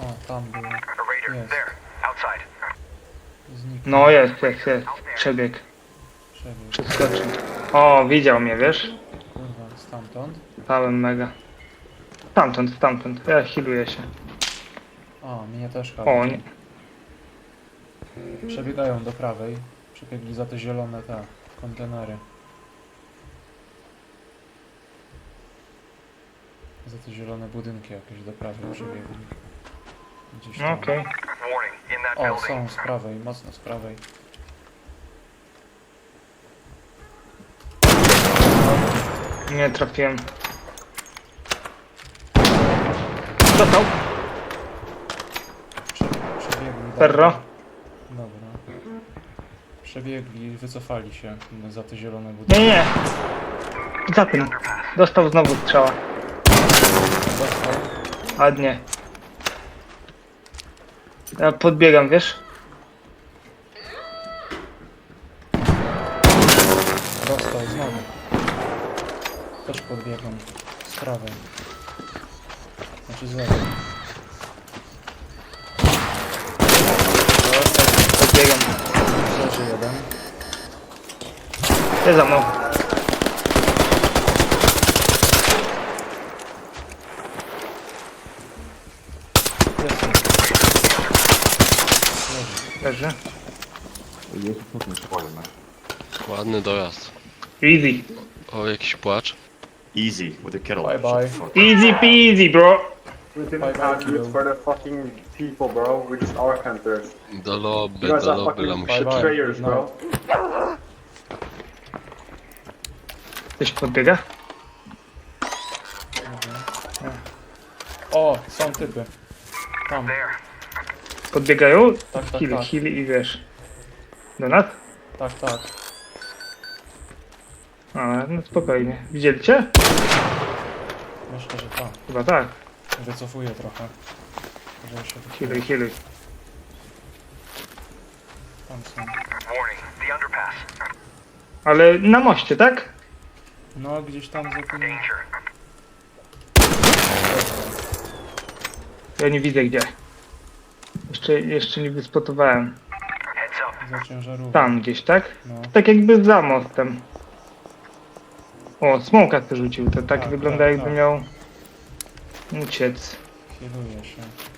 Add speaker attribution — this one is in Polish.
Speaker 1: O, tam był. Jest. Zniknął.
Speaker 2: No jest. Przebieg.
Speaker 1: Przebieg.
Speaker 2: Przeskoczył. O, widział mnie, wiesz?
Speaker 1: Kurwa, stamtąd.
Speaker 2: Pałem mega. Stamtąd. Ja healuję się.
Speaker 1: O, mnie też chyba.
Speaker 2: O, nie.
Speaker 1: Przebiegają do prawej. Przebiegli za te zielone kontenery. Za te zielone budynki jakieś do prawej przebiegli. Gdzieś tam.
Speaker 2: Okej.
Speaker 1: O, są z prawej, mocno z prawej.
Speaker 2: Nie trafiłem. Dostał.
Speaker 1: Przebiegli.
Speaker 2: Ferro.
Speaker 1: Dobra. Przebiegli i wycofali się za te zielone budynki.
Speaker 2: Nie. Za tym. Dostał znowu strzała.
Speaker 1: Dostał.
Speaker 2: Ładnie. Ja podbiegam, wiesz?
Speaker 1: Dostał znowu. Też podbiegam z prawej. Znaczy z lewej.
Speaker 2: Podbiegam.
Speaker 1: Leży jeden.
Speaker 2: Jest za mną.
Speaker 1: Jest. Leży.
Speaker 2: Leży.
Speaker 3: Ładny dojazd.
Speaker 2: Easy.
Speaker 3: O, jakiś płacz.
Speaker 4: Easy with the kettle.
Speaker 1: Bye bye.
Speaker 2: Easy peasy, bro.
Speaker 5: We
Speaker 1: Bye,
Speaker 5: didn't
Speaker 1: bye,
Speaker 5: have
Speaker 1: kiddo.
Speaker 5: use for the fucking people, bro. We're just our hunters.
Speaker 3: Do lobby,
Speaker 5: You guys
Speaker 3: do
Speaker 5: are
Speaker 3: lobby,
Speaker 5: fucking
Speaker 3: lamusie.
Speaker 1: Bye, bye.
Speaker 5: betrayers,
Speaker 1: No.
Speaker 5: bro.
Speaker 2: Ktoś podbiega?
Speaker 1: O, są typy. Tam.
Speaker 2: Podbiegają?
Speaker 1: Tak.
Speaker 2: Heal i wiesz. Do nas?
Speaker 1: Tak.
Speaker 2: A, no spokojnie. Widzieli cię?
Speaker 1: Myślę, że tak.
Speaker 2: Chyba tak.
Speaker 1: Wycofuję trochę. Że się
Speaker 2: Healuj.
Speaker 1: tam są.
Speaker 2: Ale na moście, tak?
Speaker 1: No, gdzieś tam za tym...
Speaker 2: Ja nie widzę gdzie. Jeszcze nie wyspotowałem.
Speaker 1: Za ciężarówką.
Speaker 2: Tam gdzieś, tak?
Speaker 1: No.
Speaker 2: Tak jakby za mostem. O, smoka to rzucił. To tak
Speaker 1: Tak,
Speaker 2: wygląda
Speaker 1: tak,
Speaker 2: jakby
Speaker 1: tak.
Speaker 2: miał uciec.
Speaker 1: Healuję się.